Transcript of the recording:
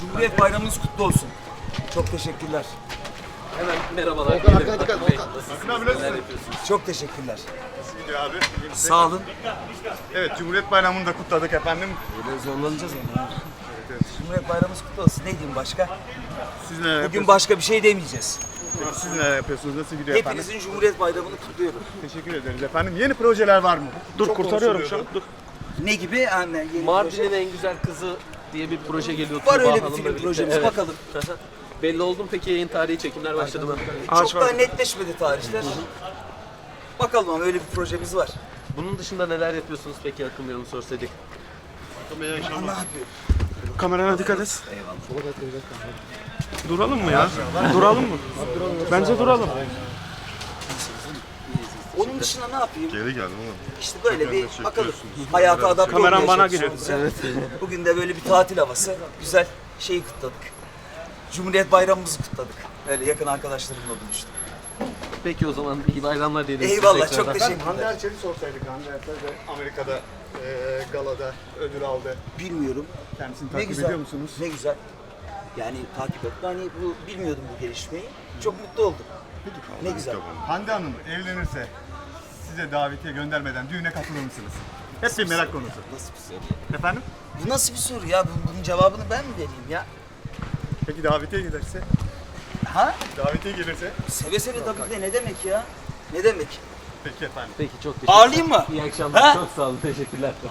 Cumhuriyet Bayramınız kutlu olsun. Çok teşekkürler. Hemen merhabalar. Volkan, arkana dikkat, Akın Bey, Volkan. nasılsınız? Akın abi, nasılsın? Neler yapıyorsunuz? Çok teşekkürler. Nasıl gidiyor abi? İyi misin? Sağ olun. Evet, Cumhuriyet Bayramı'nı da kutladık efendim. Böyle zorlanacağız ama. Evet. Cumhuriyet Bayramınız kutlu olsun. Ne diyeyim başka? Siz neler Bugün yapıyorsunuz? başka bir şey demeyeceğiz. Peki siz neler yapıyorsunuz? Nasıl gidiyor efendim? Hepinizin Cumhuriyet Bayramını kutluyorum. Teşekkür ederiz efendim. Yeni projeler var mı? Dur Çok kurtarıyorum şu an. konuşuluyordu. Dur. Ne gibi? Anne, yeni Mardin'in proje. en güzel kızı diye bir proje geliyor. Var Tuğba öyle bir Hanım'la film birlikte. projemiz. Evet. Bakalım. Belli oldu mu peki yayın tarihi, çekimler başladı mı? Çok daha netleşmedi tarihler. Bakalım ama öyle bir projemiz var. Bunun dışında neler yapıyorsunuz peki Akın Bey, onu sorsaydık? Ne yapıyor? Kamerana dikkat et. Duralım mı ya? Duralım mı? Bence duralım. Onun dışında ne yapayım? Geri geldim oğlum. İşte böyle bir bakalım. Hayata adapte olmaya Kameram bana çalışıyoruz. geliyor. Bugün de böyle bir tatil havası. Güzel şeyi kutladık. Cumhuriyet Bayramımızı kutladık. Öyle yakın arkadaşlarımla buluştuk. Peki o zaman iyi bayramlar diyelim. size Eyvallah, tekrardan. çok Efendim Hande teşekkürler. Erçel'i sorsaydık. Hande Erçel de Amerika'da galada ödül aldı. Bilmiyorum. Kendisini Ne takip güzel. ediyor musunuz? Ne güzel. Yani takip ettim. Hani bilmiyordum bu gelişmeyi. Çok mutlu oldum. Ne güzel. Hande Hanım evlenirse size davetiye göndermeden düğüne katılır mısınız? Hep bir merak konusu. Nasıl bir soru? Efendim? Bu nasıl bir soru ya? Bunun cevabını ben mi vereyim ya? Peki davetiye gelirse? Ha? Davetiye gelirse? Seve seve tabii ki de ne demek ya? Ne demek? Peki efendim. Peki çok teşekkürler. Ağırlayayım mı? İyi akşamlar. Ha? Çok sağ olun. Teşekkürler.